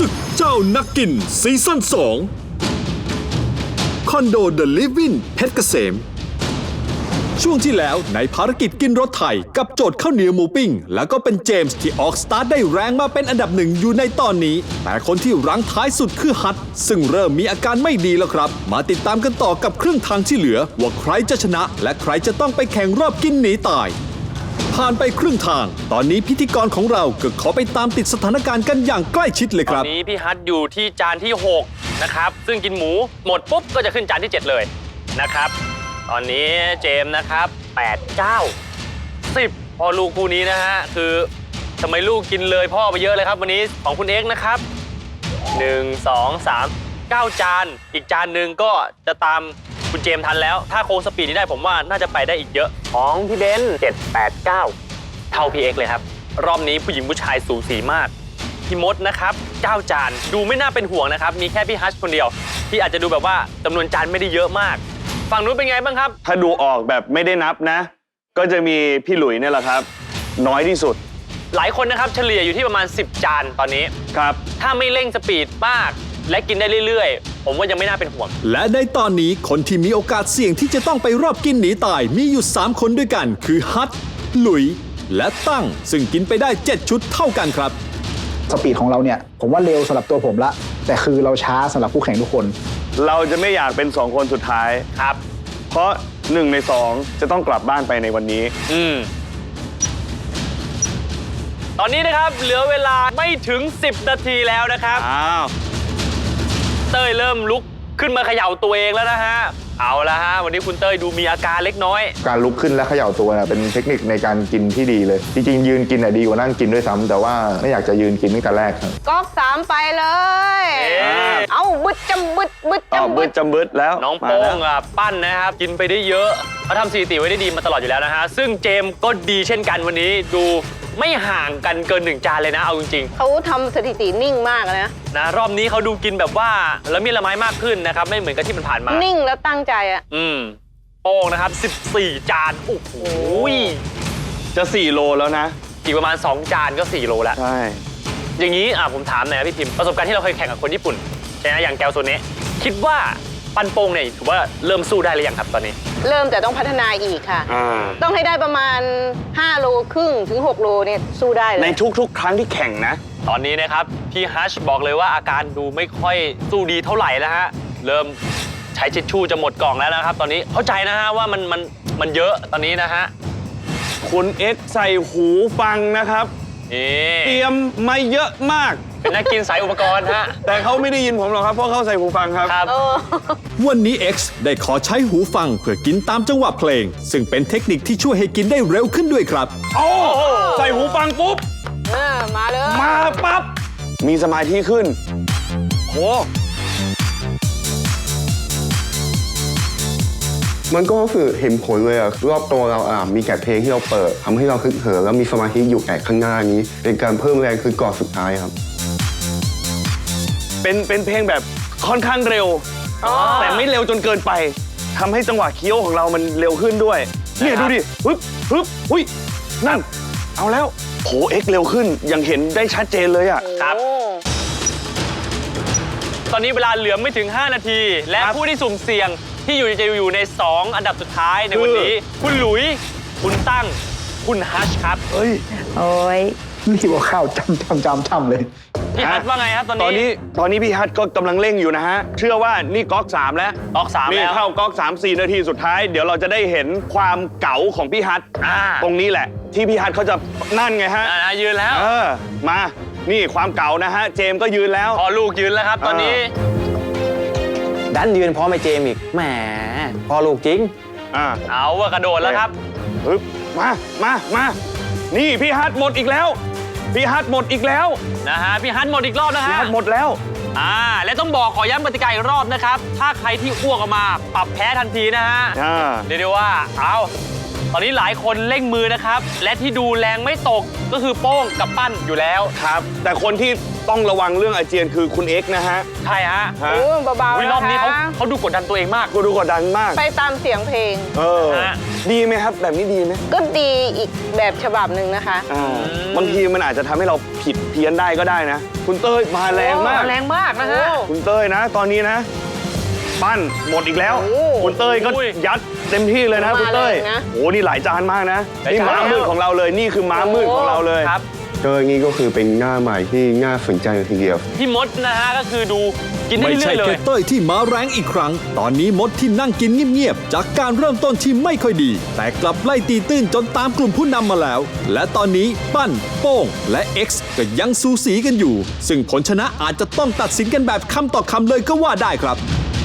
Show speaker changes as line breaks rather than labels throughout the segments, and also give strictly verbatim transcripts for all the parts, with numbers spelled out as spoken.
ศึกเจ้านักกินซีซั่นสองคอนโดเดอะลิฟวินเพชรเกษมช่วงที่แล้วในภารกิจกินรถไถกับโจทย์ข้าวเหนียวหมูปิ้งแล้วก็เป็นเจมส์ที่ออกสตาร์ทได้แรงมาเป็นอันดับหนึ่งอยู่ในตอนนี้แต่คนที่รั้งท้ายสุดคือฮัทซึ่งเริ่มมีอาการไม่ดีแล้วครับมาติดตามกันต่อกับครึ่งทางที่เหลือว่าใครจะชนะและใครจะต้องไปแข่งรอบกินหนีตายผ่านไปครึ่งทางตอนนี้พิธีกรของเราก็ขอไปตามติดสถานการณ์กันอย่างใกล้ชิดเลยครับ
ตอนนี้พี่ฮัทอยู่ที่จานที่หกนะครับซึ่งกินหมูหมดปุ๊บก็จะขึ้นจานที่เจ็ดเลยนะครับตอนนี้เจมส์นะครับแปด เก้า สิบพอลูกคู่นี้นะฮะคือทำไมลูกกินเลยพ่อไปเยอะเลยครับวันนี้ของคุณเอ็กซ์นะครับหนึ่ง สอง สาม เก้าจานอีกจานหนึ่งก็จะตามคุณเจมส์ทันแล้วถ้าโค้งสปีดนี้ได้ผมว่าน่าจะไปได้อีกเยอะของพี่เบนซ์เจ็ด แปด เก้าเท่าพี่เอ็กซ์เลยครับรอบนี้ผู้หญิงผู้ชายสูสีมากพี่มดนะครับเก้าจานดูไม่น่าเป็นห่วงนะครับมีแค่พี่ฮัชคนเดียวที่อาจจะดูแบบว่าจำนวนจานไม่ได้เยอะมากฝั่งนู้นเป็นไงบ้างครับ
ถ้าดูออกแบบไม่ได้นับนะก็จะมีพี่หลุยเนี่ยแหละครับน้อยที่สุด
หลายคนนะครับเฉลี่ยอยู่ที่ประมาณสิบจานตอนนี้
ครับ
ถ้าไม่เร่งสปีดมากและกินได้เรื่อยๆผมว่ายังไม่น่าเป็นห่วง
และในตอนนี้คนที่มีโอกาสเสี่ยงที่จะต้องไปรอบกินหนีตายมีอยู่สามคนด้วยกันคือฮัทหลุยและตั้งซึ่งกินไปได้เจ็ดชุดเท่ากันครับ
สปีดของเราเนี่ยผมว่าเร็วสำหรับตัวผมละแต่คือเราช้าสำหรับคู่แข่งทุกคน
เราจะไม่อยากเป็นสองคนสุดท้าย
ครับ
เพราะหนึ่งในสองจะต้องกลับบ้านไปในวันนี้
อืมตอนนี้นะครับเหลือเวลาไม่ถึงสิบนาทีแล้วนะครับ
อ้าว
เต้ยเริ่มลุกขึ้นมาเขย่าตัวเองแล้วนะฮะเอาละฮะวันนี้คุณเต้ยดูมีอาการเล็กน้อย
การลุกขึ้นและเขย่าตัวนะเป็นเทคนิคในการกินที่ดีเลยจริงๆยืนกินน่ะดีกว่านั่งกินด้วยซ้ำแต่ว่าไม่อยากจะยืนกินตั้งแต่แรกครับ
ก๊อกสามไปเลยเอาบึดจำบึดบึดจำ
บึดจำบึดแล้ว
น้องโป้งอ่ะปั้นนะครับกินไปได้เยอะเขาทำสถิติไว้ได้ดีมาตลอดอยู่แล้วนะฮะซึ่งเจมก็ดีเช่นกันวันนี้ดูไม่ห่างกันเกินหนึ่งจานเลยนะเอาจริง
ๆเขาทำสถิตินิ่งมากนะ
นะรอบนี้เขาดูกินแบบว่าละเมียดละไม้มากขึ้นนะครับไม่เหมือนกับที่มันผ่านมา
นิ่งแล้วตั้งใจอ่ะ
อืมโป้งนะครับสิบสี่จานโอ้โห
จะสี่โลแล้วนะ
อีกประมาณสองจานก็สี่โลแล้ว
ใช่
อย่างนี้อ่ะผมถามหน่อยนะพี่พิมประสบการณ์ที่เราเคยแข่งกับคนญี่ปุ่นใช่ไหมอย่างแกวโซเนะคิดว่าปันโป้งเนี่ยถือว่าเริ่มสู้ได้หรือยังครับตอนนี้
เริ่มแต่ต้องพัฒนาอีกค่ะต้องให้ได้ประมาณห้าโลครึ่งถึงหกโลเนี่ยสู้ได้เลย
ในทุกๆครั้งที่แข่งนะ
ตอนนี้นะครับพี่ฮัชบอกเลยว่าอาการดูไม่ค่อยสู้ดีเท่าไหร่แล้วฮะเริ่มใช้เช็ดชู่จะหมดกล่องแล้วนะครับตอนนี้เข้าใจนะฮะว่ามันมันมันเยอะตอนนี้นะฮะ
คุณเอ็กซ์ใส่หูฟังนะครับเตรียมมาเยอะมาก
เป็นนักกินสายอุปกรณ์ฮะ
แต่เขาไม่ได้ยินผมหรอกครับเพราะเขาใส่หูฟังครับ
ครับ
วันนี้ X ได้ขอใช้หูฟังเพื่อกินตามจังหวะเพลงซึ่งเป็นเทคนิคที่ช่วยให้กินได้เร็วขึ้นด้วยครับ
โอ้ใส่หูฟังปุ๊บ
มาเลย
มาปั๊บมีสมาธิขึ้นโห
มันก็รู้สึกเห็นผลเลยอะรอบตัวเราอ่ะมีแกะเพลงที่เราเปิดทำให้เราคึกเหิมแล้วมีสมาธิอยู่แกะข้างหน้านี้เป็นการเพิ่มแรงคือกอดสุดท้ายครับ
เป็นเป็นเพลงแบบค่อนข้างเร็วแต่ไม่เร็วจนเกินไปทำให้จังหวะเคี้ยวของเรามันเร็วขึ้นด้วยเนี่ยดูดิฮึบฮึบหุ้ยนั่นเอาแล้วโหเอ็กเร็วขึ้นยังเห็นได้ชัดเจนเลยอ่ะ
ครับตอนนี้เวลาเหลือไม่ถึงห้านาทีและผู้ที่สุ่มเสี่ยงที่อยู่จะอยู่ในสองอันดับสุดท้ายในวันนี้คุณหลุยคุณตั้งคุณฮัชครับ
เอ้ย
โอ้ย
นี่ว่าข้าวจำจำจำจำเลย
พี่ฮัทว่าไงครับตอนนี้
ตอนนี้ตอนนี้พี่ฮัทก็กำลังเร่งอยู่นะฮะเชื่อว่านี่ก๊อกสามแล้ว
ก๊อกสามแล้ว
นี่เข้าก๊อกสามสี่นาทีสุดท้ายเดี๋ยวเราจะได้เห็นความเก๋าของพี่ฮัทตรงนี้แหละที่พี่ฮัทเขาจะนั่นไงฮะ
ยืนแล้ว
เออมานี่ความเก๋านะฮะเจมก็ยืนแล้ว
พอลูกยืนแล้วครับตอนนี้
ดันยืนพร้อมไอ้เจมอีกแหมพอลูกจริง
อ่า
เอาว่ากระโดดแล้วครับ
ปึ๊บมามามานี่พี่ฮัทหมดอีกแล้วพี่ฮัทหมดอีกแล้ว
นะฮะพี่ฮัทหมดอีกรอบนะฮะ
พี่ฮัทหมดแล้ว
อ่าและต้องบอกขอย้ำกติกาอีกรอบนะครับถ้าใครที่อ้วกออกมาปรับแพ้ทันทีนะฮะเดี๋ยวว่าเอาตอนนี้หลายคนเร่งมือนะครับ และที่ดูแรงไม่ตกก็คือโป้งกับปั้นอยู่แล้ว
ครับ แต่คนที่ต้องระวังเรื่องอาเจียนคือคุณเอ็กซ์นะฮะ
ใช่ฮะ
ฮะ
โอ้เบาๆ
วิ
นะ
รอบนี้เขา
คะ
เขาดูกดดันตัวเองมาก
กูดูกดดันมาก
ไปตามเสียงเพลง
เออ
ฮะ
ดีไหมครับ แบบนี้ดีไหม
ก็ดีอีกแบบฉบับหนึ่งนะคะ
อ่าบางทีมันอาจจะทำให้เราผิดเพี้ยนได้ก็ได้นะ คุณเต้ยมาแรงมาก
แรงมากนะฮะ
คุณเต้ยนะ ตอนนี้นะ ปั้นหมดอีกแล้ว
โอ้
คุณเต้ยก็
อุ้ย
ยัดเต็มที่เลยนะ
มา
คุณเต้ย
แรงนะ
โอ้นี่หลายจานมากนะ
หลาย
นี่
จาน
ม้ามืดของเราเลยนี่คือม้ามืดของเราเลย
ครับ
เจออย่างนี้ก็คือเป็นหน้าใหม่ที่น่าสนใจเลยทีเดียว
พี่มดนะฮะก็คือดูกินได้
ไม่
เรื่
ใช่
อยๆเล
แค่
ย
เต้ยที่มาแรงอีกครั้ง ตอนนี้มดที่นั่งกินเงียบๆ จากการเริ่มต้นที่ไม่ค่อยดี แต่กลับไล่ตีตื้นจนตามกลุ่มผู้นำมาแล้ว และตอนนี้ปั้น โป้ง และ X ก็ยังสูสีกันอยู่ ซึ่งผลชนะอาจจะต้องตัดสินกันแบบคำต่อคำเลยก็ว่าได้ครับ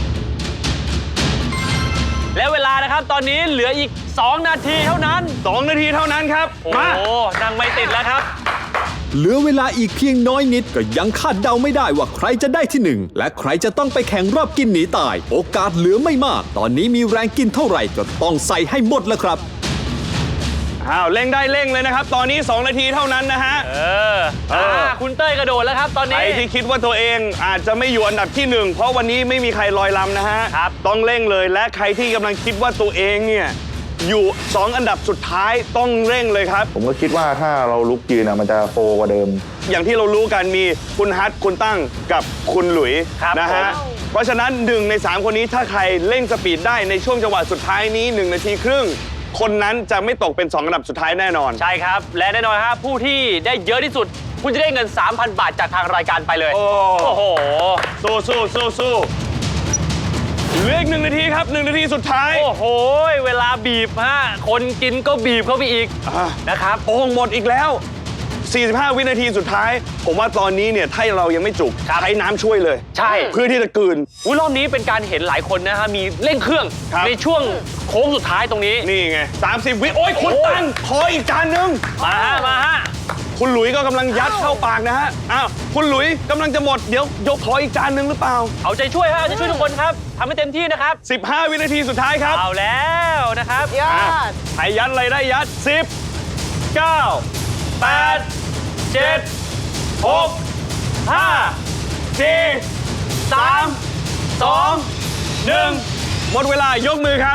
และเวลานะครับตอนนี้เหลืออีก สอง นาทีเท่านั้น
สองนาทีเท่านั้นครับ
โอ้
มา
โหนั่งไม่ติดแล้วครับ
เหลือเวลาอีกเพียงน้อยนิดก็ยังคาดเดาไม่ได้ว่าใครจะได้ที่หนึ่งและใครจะต้องไปแข่งรอบกินหนีตาย โอกาสเหลือไม่มาก ตอนนี้มีแรงกินเท่าไหร่ก็ต้องใส่ให้หมดแล้วครับ
อ้าวเร่งได้เร่งเลยนะครับ ตอนนี้ สอง นาทีเท่านั้นนะฮะ
เออ
เอออ่
าคุณเต้ยกระโดดแล้วครับตอน
ใคร
นี้
ที่คิดว่าตัวเองอาจจะไม่อยู่อันดับที่หนึ่งเพราะวันนี้ไม่มีใครลอยลำนะฮะ
ครับ
ต้องเร่งเลยและใครที่กำลังคิดว่าตัวเองเนี่ยอยู่สองอันดับสุดท้ายต้องเร่งเลยครับ
ผมก็คิดว่าถ้าเราลุกยืนอะมันจะโฟกว่าเดิม
อย่างที่เรารู้กันมีคุณฮัทคุณตั้งกับคุณหลุย
ครับ
นะฮะ
ผม
เพราะฉะนั้นหนึ่งในสามคนนี้ถ้าใครเร่งสปีดได้ในช่วงจังหวะสุดท้ายนี้หนึ่งนาทีครึ่งคนนั้นจะไม่ตกเป็นสองอันดับสุดท้ายแน่นอน
ใช่ครับ และแน่นอนครับผู้ที่ได้เยอะที่สุด คุณจะได้เงิน สามพัน บาทจากทางรายการไปเลย
โอ้
โอ้โห
สู้สู้สู้สู้เหลืออีกหนึ่งนาทีครับหนึ่งนาทีสุดท้าย
โอ้โห เวลาบีบฮะคนกินก็บีบเข้าไปอีก
อ่ะ
นะครับ
โอ่งหมดอีกแล้ว สี่สิบห้า วินาทีสุดท้าย ผมว่าตอนนี้เนี่ยถ้าเรายังไม่จุก
ครับ
ใช้น้ำช่วยเลย
ใช่
เพื่อที่จะกลืน
อุ้ยรอบนี้เป็นการเห็นหลายคนนะฮะมีเร่งเครื่อง
ครับ
ในช่วงโค้งสุดท้ายตรงนี้
นี่ไง สามสิบ วิ โอ้ยคุณ
โอ้
ตังขออีกจานหนึ่ง
มาฮะมาฮะ
คุณหลุยก็กำลังยัดเข้าปากนะฮะ อ้าว คุณหลุยกำลังจะหมด เดี๋ยวยกขออีกจานหนึ่งหรือเปล่า
เอาใจช่วยฮะเอาใจช่วยทุกคนครับทำให้เต็มที่นะครับ
สิบห้า วินาทีสุดท้ายครับ
เอาแล้วนะครับ
ยอ
อ่ะ
ด
ใครยัดอะไรได้ยัด สิบ เก้า แปด เจ็ด หก ห้า สี่ สาม สอง หนึ่ง หมดเวลายกมือครับ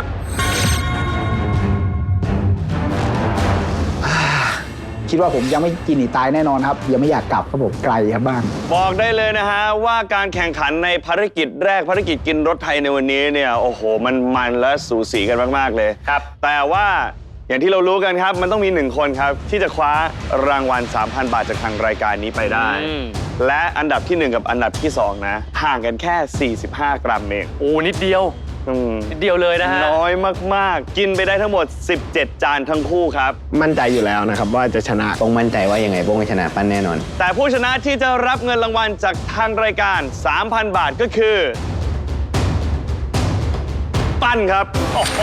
คิดว่าผมยังไม่กินหนีตายแน่นอนครับ ยังไม่อยากกลับครับผมไกลครับบ้าน
บอกได้เลยนะฮะว่าการแข่งขันในภารกิจแรกภารกิจกินรถไทยในวันนี้เนี่ยโอ้โหมันมันและสูสีกันมากๆเลย
ครับ
แต่ว่าอย่างที่เรารู้กันครับมันต้องมีหนึ่งคนครับที่จะคว้ารางวัล สามพัน บาทจากทางรายการนี้ไปได้
อืม
และอันดับที่หนึ่งกับอันดับที่สองนะห่างกันแค่ สี่สิบห้า กรัมเอง
โอ้นิดเดียว
อืม
นิดเดียวเลยนะฮะ
น้อยมากๆ กินไปได้ทั้งหมด สิบเจ็ด จานทั้งคู่ครับ
มั่นใจอยู่แล้วนะครับว่าจะชนะโป้งมั่นใจว่ายังไงโป้งจะชนะปั้นแน่นอน
แต่ผู้ชนะที่จะรับเงินรางวัลจากทางรายการ สามพัน บาทก็คือ ปั้นครับ
โอ้โห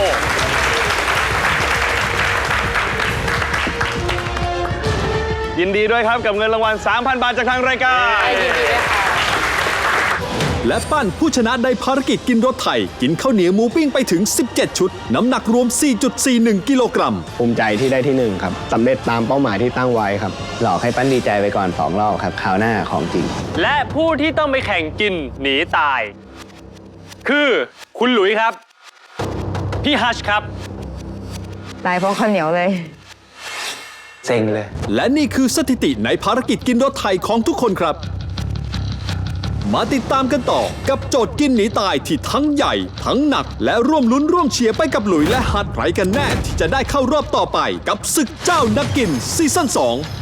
ยินดีด้วยครับกับเงินรางวัล สามพัน บาทจากทางรายการ
ยินดีด้วยค่ะ
และปั้นผู้ชนะในภารกิจกินรถไทย กินข้าวเหนียวหมูปิ้งไปถึง สิบเจ็ด ชุด น้ำหนักรวม สี่จุดสี่หนึ่ง กิโลกรัม
ภูมิใจที่ได้ที่หนึ่งครับสำเร็จตามเป้าหมายที่ตั้งไว้ครับหลอกให้ปั้นดีใจไปก่อนสองรอบครับคราวหน้าของจริง
และผู้ที่ต้องไปแข่งกินหนีตาย คือคุณหลุยครับ พี่ฮัชครับ
ตายเพราะข้าวเหนียวเลย
เซ็งเลย
และนี่คือสถิติในภารกิจกินรถไทยของทุกคนครับ มาติดตามกันต่อกับโจทย์กินหนีตายที่ทั้งใหญ่ ทั้งหนัก และร่วมลุ้นร่วมเชียร์ไปกับหลุยและฮัทใครกันแน่ที่จะได้เข้ารอบต่อไปกับศึกเจ้านักกินซีซั่นสอง